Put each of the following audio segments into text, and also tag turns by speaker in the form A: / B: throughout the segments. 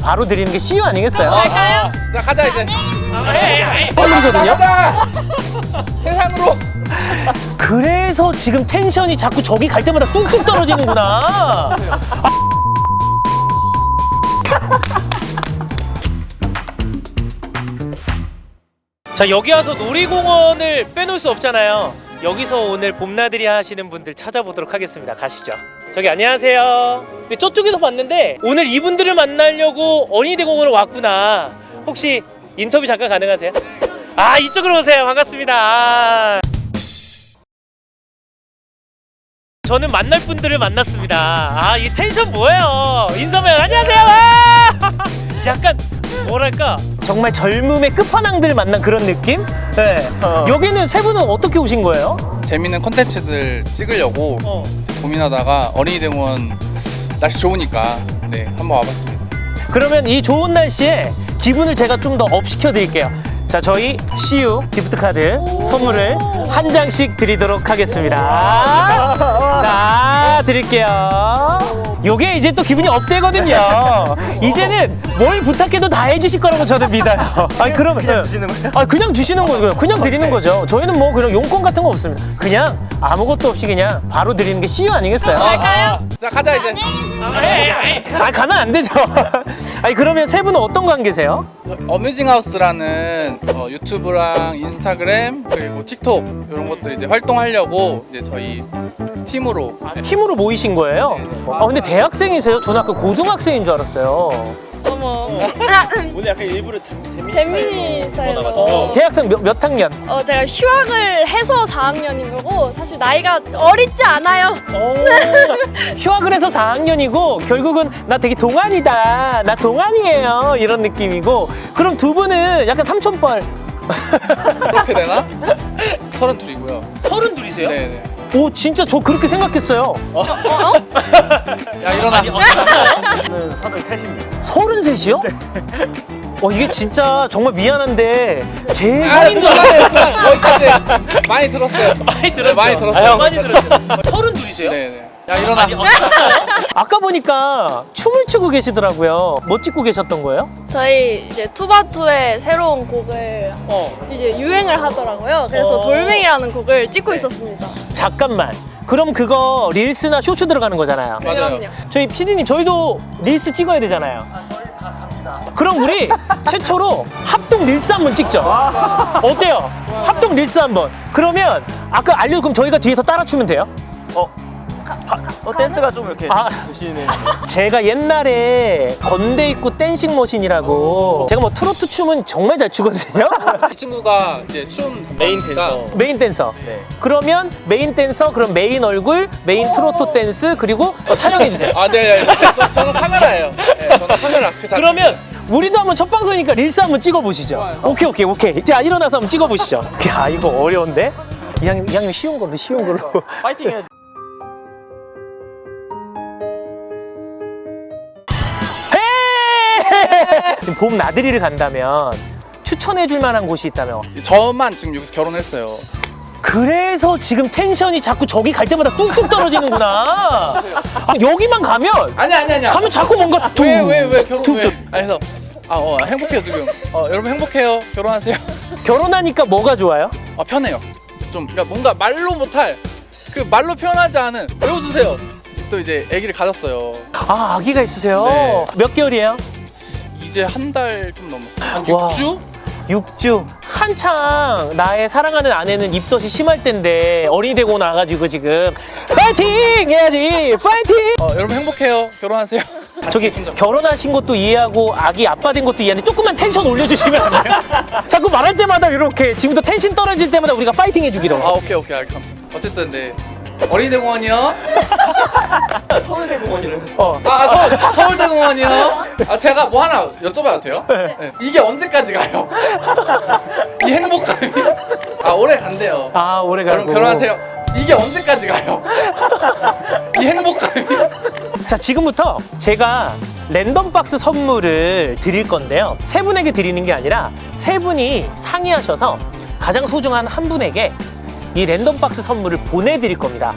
A: 바로 드리는 게 CU 아니겠어요?
B: 갈까요? 자, 가자 이제.
A: 선물이거든요.
B: 가자. 세상으로.
A: 그래서 지금 텐션이 자꾸 저기 갈 때마다 뚝뚝 떨어지는구나. 자, 여기 와서 놀이공원을 빼놓을 수 없잖아요. 여기서 오늘 봄나들이 하시는 분들 찾아보도록 하겠습니다. 가시죠. 저기 안녕하세요. 근데 저쪽에서 봤는데 오늘 이분들을 만나려고 어린이대공원을 왔구나. 혹시 인터뷰 잠깐 가능하세요? 아, 이쪽으로 오세요. 반갑습니다. 저는 만날 분들을 만났습니다. 아, 이 텐션 뭐예요? 인사면 안녕하세요. 와! 약간 뭐랄까 정말 젊음의 끝판왕들 만난 그런 느낌? 네. 여기는 세 분은 어떻게 오신 거예요?
B: 재밌는 콘텐츠들 찍으려고 고민하다가 어린이대공원 날씨 좋으니까 네 한번 와봤습니다.
A: 그러면 이 좋은 날씨에 기분을 제가 좀 더 업 시켜 드릴게요. 자, 저희 CU 기프트카드 선물을 한 장씩 드리도록 하겠습니다. 자, 드릴게요. 요게 이제 또 기분이 업되거든요. 이제는 뭘 부탁해도 다 해주실 거라고 저는 믿어요. 아니, 그러면 그냥 주시는 거예요? 아, 그냥 주시는 거예요. 그냥 드리는 거죠. 저희는 뭐 그런 용건 같은 거 없습니다. 그냥 아무것도 없이 그냥 바로 드리는 게 CU 아니겠어요?
B: 갈까요? 자, 가자 이제.
A: 아, 가면 안 되죠. 아니, 그러면 세 분은 어떤 관계세요?
B: 어뮤징하우스라는 유튜브랑 인스타그램 그리고 틱톡 이런 것들 이제 활동하려고 이제 저희 팀으로
A: 팀으로 모이신 거예요?
B: 네네.
A: 아, 근데 대학생이세요? 저는 아까 고등학생인 줄 알았어요.
C: 어머.
D: 오늘 약간 일부러
C: 재민이 스타일로.
A: 대학생 몇 학년?
C: 제가 휴학을 해서 4학년인 거고 사실 나이가 어리지 않아요.
A: 휴학을 해서 4학년이고 결국은 나 되게 동안이다. 나 동안이에요. 이런 느낌이고. 그럼 두 분은 약간 삼촌뻘.
B: 그렇게 되나? 32이고요.
A: 32이세요?
B: 네네.
A: 오, 진짜 저 그렇게 생각했어요.
B: 야 일어나.
D: 저는 33입니다.
A: 33이요? 이게 진짜 정말 미안한데 제
B: 아,
A: 형인 줄 알았어요.
B: 거기까지 많이 들었어요.
D: 많이 들었죠.
B: 많이 들었어요.
D: 많이 들었어요.
A: 32이세요?
B: 네네. 야 일어나.
A: 아까 보니까 춤을 추고 계시더라고요. 뭐 찍고 계셨던 거예요?
C: 저희 이제 투바투의 새로운 곡을 이제 유행을 하더라고요. 그래서 돌멩이라는 곡을 찍고 있었습니다.
A: 잠깐만. 그럼 그거 릴스나 쇼츠 들어가는 거잖아요.
B: 맞아요.
C: 그럼요.
A: 저희 PD님, 저희도 릴스 찍어야 되잖아요. 그럼 우리 최초로 합동 릴스 한번 찍죠. 어때요? 합동 릴스 한번. 그러면 아까 그럼 저희가 뒤에서 따라 추면 돼요?
D: 댄스가 좀 이렇게
A: 아.
D: 드시는.
A: 제가 옛날에 건대 입구 댄싱 머신이라고, 제가 뭐 트로트 춤은 정말 잘 추거든요.
B: 이 친구가 이제 춤
D: 메인 댄서.
A: 메인 댄서.
D: 네.
A: 그러면 메인 댄서, 그럼 메인 얼굴, 메인 트로트 댄스, 그리고 촬영해 주세요.
B: 아, 네. 저는 카메라예요. 네, 저는 카메라. 그 자체.
A: 그러면 우리도 한번 첫 방송이니까 릴스 한번 찍어보시죠.
B: 좋아요.
A: 오케이. 자, 일어나서 한번 찍어보시죠. 야, 이거 어려운데? 이왕이면 쉬운 걸로.
D: 파이팅 해야지.
A: 지금 봄 나들이를 간다면 추천해줄 만한 곳이 있다면?
B: 저만 지금 여기서 결혼했어요.
A: 그래서 지금 텐션이 자꾸 저기 갈 때마다 뚝뚝 떨어지는구나. 여기만 가면
B: 아니야.
A: 가면 자꾸 뭔가
B: 왜 결혼
A: 툭,
B: 왜?
A: 툭.
B: 그래서 행복해요 지금. 여러분 행복해요. 결혼하세요.
A: 결혼하니까 뭐가 좋아요?
B: 편해요. 좀 그러니까 뭔가 말로 못할 그 말로 표현하지 않은 외워주세요. 또 이제 아기를 가졌어요.
A: 아, 아기가 있으세요?
B: 네.
A: 몇 개월이에요?
B: 이제 한 달 좀 넘었어요. 한
A: 와.
B: 6주?
A: 6주. 한창 나의 사랑하는 아내는 입덧이 심할 텐데 어린이대공원 와가지고 지금 파이팅 해야지. 파이팅.
B: 여러분 행복해요. 결혼하세요.
A: 저기
B: 손잡고.
A: 결혼하신 것도 이해하고 아기 아빠 된 것도 이해하는데 조금만 텐션 올려주시면 안 돼요? 자꾸 말할 때마다 이렇게 지금도 텐션 떨어질 때마다 우리가 파이팅 해주기로.
B: 오케이 감사합니다. 어쨌든 네 어린이대공원이요.
D: 서울대공원이라고.
B: 서울대공원이요. 제가 뭐 하나 여쭤봐도 돼요? 네. 이게 언제까지 가요? 이 행복감이 오래 간대요.
A: 아, 오래 가고.
B: 결혼하세요. 이게 언제까지 가요? 이 행복감이.
A: 자, 지금부터 제가 랜덤 박스 선물을 드릴 건데요. 세 분에게 드리는 게 아니라 세 분이 상의하셔서 가장 소중한 한 분에게 이 랜덤 박스 선물을 보내드릴 겁니다.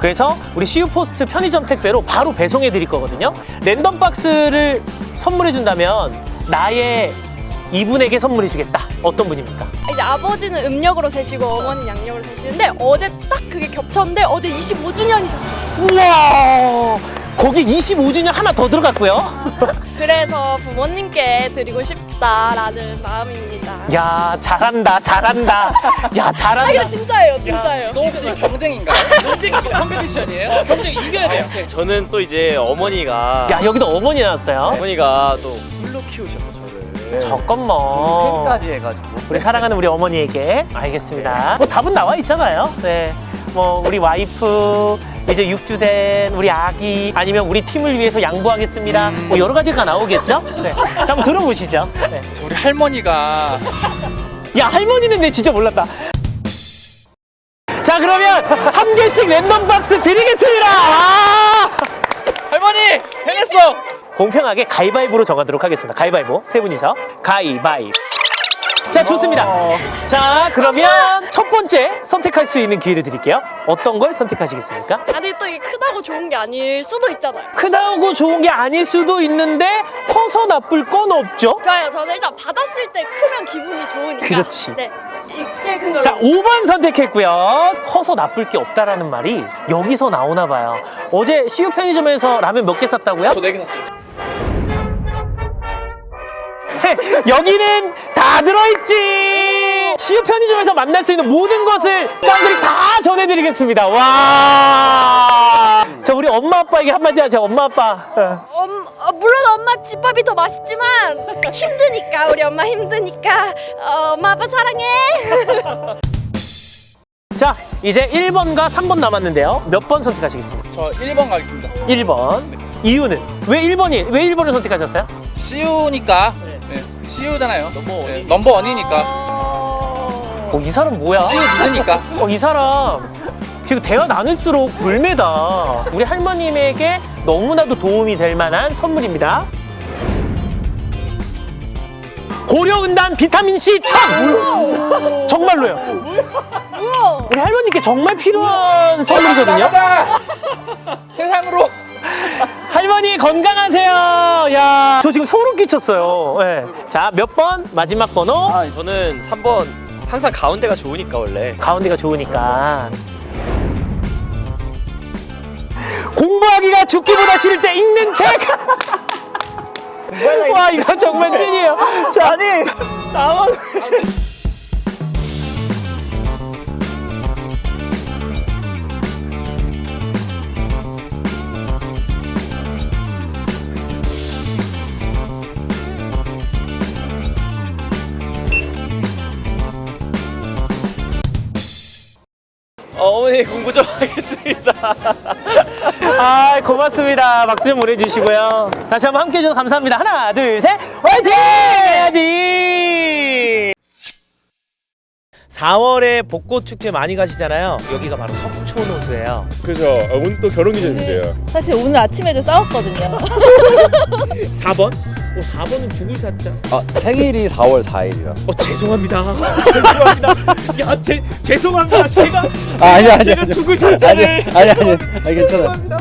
A: 그래서 우리 CU 포스트 편의점 택배로 바로 배송해 드릴 거거든요. 랜덤 박스를 선물해 준다면 나의 이분에게 선물해 주겠다. 어떤 분입니까?
C: 이제 아버지는 음력으로 세시고 어머니는 양력으로 세시는데 어제 딱 그게 겹쳤는데 어제 25주년이셨어요.
A: 우와! 거기 25주년 하나 더 들어갔고요.
C: 그래서 부모님께 드리고 싶다라는 마음입니다.
A: 야, 잘한다. 야,
C: 아
A: 잘한다.
C: 이거 진짜예요, 진짜예요.
B: 이거 혹시 경쟁인가요? 컴페티션이에요?
A: 경쟁 이겨야 돼요.
D: 저는 또 이제 어머니가
A: 야, 여기도 어머니 나왔어요.
D: 어머니가 또 홀로 키우셔서 저를
A: 잠깐만.
D: 생까지 해가지고
A: 우리 사랑하는 우리 어머니에게 알겠습니다. 뭐 답은 나와 있잖아요. 네. 뭐 우리 와이프 이제 6주 된 우리 아기 아니면 우리 팀을 위해서 양보하겠습니다. 뭐 여러 가지가 나오겠죠? 네. 자, 한번 들어보시죠. 네.
B: 우리 할머니가
A: 야, 할머니는 내 진짜 몰랐다. 자, 그러면 한 개씩 랜덤 박스 드리겠습니다. 아!
B: 할머니 해냈어.
A: 공평하게 가위바위보로 정하도록 하겠습니다. 가위바위보 세 분이서 가위바위보. 자, 좋습니다. 자, 그러면 첫 번째 선택할 수 있는 기회를 드릴게요. 어떤 걸 선택하시겠습니까?
C: 아, 근데 또 이게 크다고 좋은 게 아닐 수도 있잖아요.
A: 크다고 좋은 게 아닐 수도 있는데 커서 나쁠 건 없죠.
C: 좋아요. 저는 일단 받았을 때 크면 기분이 좋으니까.
A: 그렇지.
C: 네. 제일 큰 걸로.
A: 자, 5번 선택했고요. 커서 나쁠 게 없다라는 말이 여기서 나오나 봐요. 어제 CU 편의점에서 라면 몇 개 샀다고요?
B: 저 4개 샀어요.
A: 여기는 다 들어있지. CU 편의점에서 만날 수 있는 모든 것을 깡그리 다 전해드리겠습니다. 와. 자, 우리 엄마 아빠에게 한마디 하자. 엄마 아빠.
C: 물론 엄마 집밥이 더 맛있지만 힘드니까 우리 엄마 힘드니까 엄마 아빠 사랑해.
A: 자, 이제 1번과 3번 남았는데요. 몇 번 선택하시겠습니까?
B: 저 1번 가겠습니다.
A: 1번. 이유는 왜 1번을 선택하셨어요?
B: CU니까. 네. CU잖아요.
D: 넘버원이.
B: 넘버원이니까.
A: 이 사람 뭐야?
B: CU 믿으니까.
A: 이 사람 지금 대화 나눌수록 물매다. 우리 할머님에게 너무나도 도움이 될 만한 선물입니다. 고려은단 비타민C 1000! 정말로요.
C: 뭐야?
A: 우리 할머니께 정말 필요한 선물이거든요.
B: 나가자. 세상으로.
A: 할머니 건강하세요. 야, 저 지금 소름 끼쳤어요. 네. 자, 몇 번? 마지막 번호.
D: 저는 3번 항상 가운데가 좋으니까 원래
A: 가운데가 좋으니까. 공부하기가 죽기보다 싫을 때 읽는 책. 와, 이거 정말 찐이에요. 자, 아니 나만.
D: 어머니 공부 좀 하겠습니다.
A: 아, 고맙습니다. 박수 좀 보내주시고요. 다시 한번 함께 해주셔서 감사합니다. 하나, 둘, 셋, 화이팅! 해야지! 4월에 벚꽃 축제 많이 가시잖아요. 여기가 바로 석촌호수예요.
E: 그죠. 오늘 또 결혼 기념일이에요.
F: 사실 오늘 아침에도 싸웠거든요.
A: 4번? 4번은 죽을 사자.
G: 생일이 4월 4일이라서.
A: 죄송합니다. 죄송합니다. 야, 죄송합니다. 제가
G: 아니
A: 제가 죽을 사자를.
G: 아니 괜찮아.